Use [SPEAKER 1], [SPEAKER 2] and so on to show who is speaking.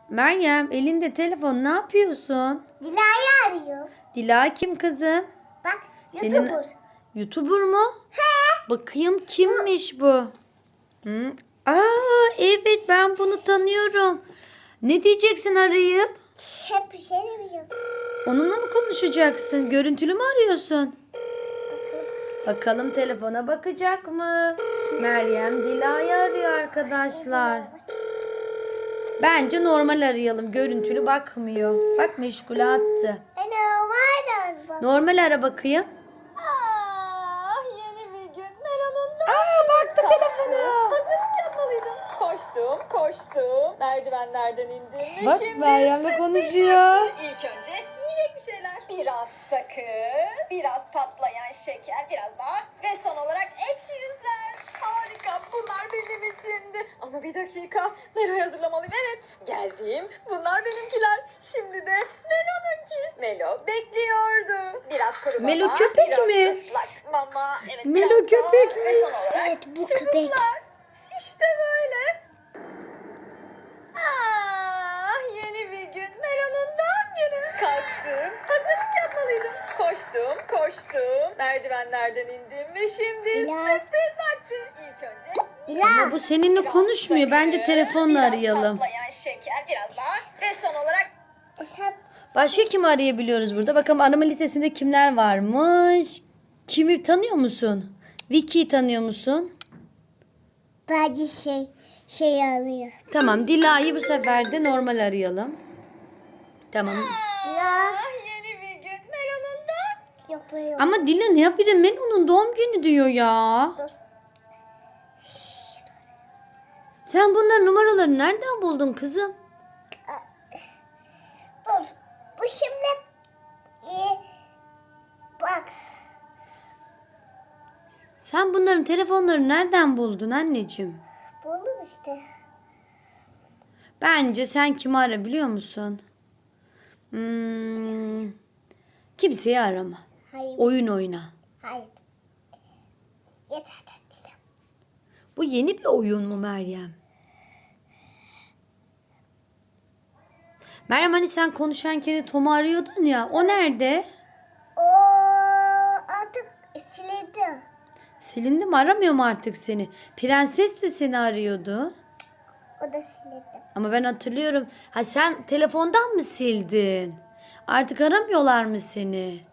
[SPEAKER 1] Meryem elinde telefon, ne yapıyorsun?
[SPEAKER 2] Dila'yı arıyor.
[SPEAKER 1] Dila kim kızım?
[SPEAKER 2] Bak
[SPEAKER 1] Senin
[SPEAKER 2] YouTuber.
[SPEAKER 1] YouTuber mu?
[SPEAKER 2] He.
[SPEAKER 1] Bakayım kimmiş bu? Hı? Evet, ben bunu tanıyorum. Ne diyeceksin arayıp?
[SPEAKER 2] Hep bir şey demiyorum.
[SPEAKER 1] Onunla mı konuşacaksın? Görüntülü mü arıyorsun? Bakalım telefona bakacak mı? Meryem Dila'yı arıyor arkadaşlar. Bence normal arayalım. Görüntülü bakmıyor. Bak, meşgule attı.
[SPEAKER 2] Var.
[SPEAKER 1] Normal ara bakayım.
[SPEAKER 3] Yeni bir gün. Meral'ın da
[SPEAKER 1] Baktı telefona.
[SPEAKER 3] hazırlık yapmalıydım. Koştum. Merdivenlerden indim.
[SPEAKER 1] Bak, Meryem'le konuşuyor.
[SPEAKER 3] İlk önce yiyecek bir şeyler. Biraz sakız, biraz patlayan şeker, biraz daha ve son olarak ekşi yüzler. Harika, bunlar benim içindi. Ama bir dakika, Melo'yu hazırlamalıyım. Evet, geldim. Bunlar benimkiler. Şimdi de Melo'nunki. Melo bekliyordu. Biraz kuru
[SPEAKER 1] Melo
[SPEAKER 3] mama,
[SPEAKER 1] köpek
[SPEAKER 3] biraz
[SPEAKER 1] mi?
[SPEAKER 3] ıslak mama. Evet,
[SPEAKER 1] Melo
[SPEAKER 3] biraz daha
[SPEAKER 1] köpek
[SPEAKER 3] ve
[SPEAKER 1] mi?
[SPEAKER 3] son olarak
[SPEAKER 2] Evet, bu
[SPEAKER 3] çubuklar.
[SPEAKER 2] köpek.
[SPEAKER 3] İşte böyle. Yeni bir gün. Melo'nun doğum günü. Kalktım. Hazırlık yapmalıydım. Koştum. Merdivenlerden indim ve şimdi
[SPEAKER 2] Dila.
[SPEAKER 3] sürpriz vakti. İlk önce
[SPEAKER 1] Ama bu seninle konuşmuyor. Bence telefonla arayalım.
[SPEAKER 3] Biraz patlayan şeker, biraz daha ve son olarak
[SPEAKER 2] Sen
[SPEAKER 1] Başka kimi arayabiliyoruz burada? Bakalım arama listesinde kimler varmış? Kimi tanıyor musun? Vicky'yi tanıyor musun?
[SPEAKER 2] bence şey arıyor.
[SPEAKER 1] Tamam, Dila'yı bu sefer de normal arayalım. Tamam.
[SPEAKER 2] Dila.
[SPEAKER 3] yeni bir gün. Melo'nun da
[SPEAKER 2] Yapıyor.
[SPEAKER 1] Ama Dila ne yapıyor? Melo'nun doğum günü diyor ya.
[SPEAKER 2] Dur.
[SPEAKER 1] Sen bunların numaralarını nereden buldun kızım?
[SPEAKER 2] Dur. Bu şimdi bak.
[SPEAKER 1] Sen bunların telefonlarını nereden buldun anneciğim?
[SPEAKER 2] Buldum işte.
[SPEAKER 1] Bence sen kimi ara biliyor musun? Kimseyi arama.
[SPEAKER 2] Hayır.
[SPEAKER 1] Oyun oyna.
[SPEAKER 2] Hayır. Yeter Dila.
[SPEAKER 1] Bu yeni bir oyun mu Meryem? Meryem, hani sen konuşan kedi Tom'u arıyordun ya. O nerede?
[SPEAKER 2] O artık silindi.
[SPEAKER 1] Silindi mi? Aramıyor mu artık seni? Prenses de seni arıyordu.
[SPEAKER 2] O da silindi.
[SPEAKER 1] Ama ben hatırlıyorum. Ha, sen telefondan mı sildin? Artık aramıyorlar mı seni?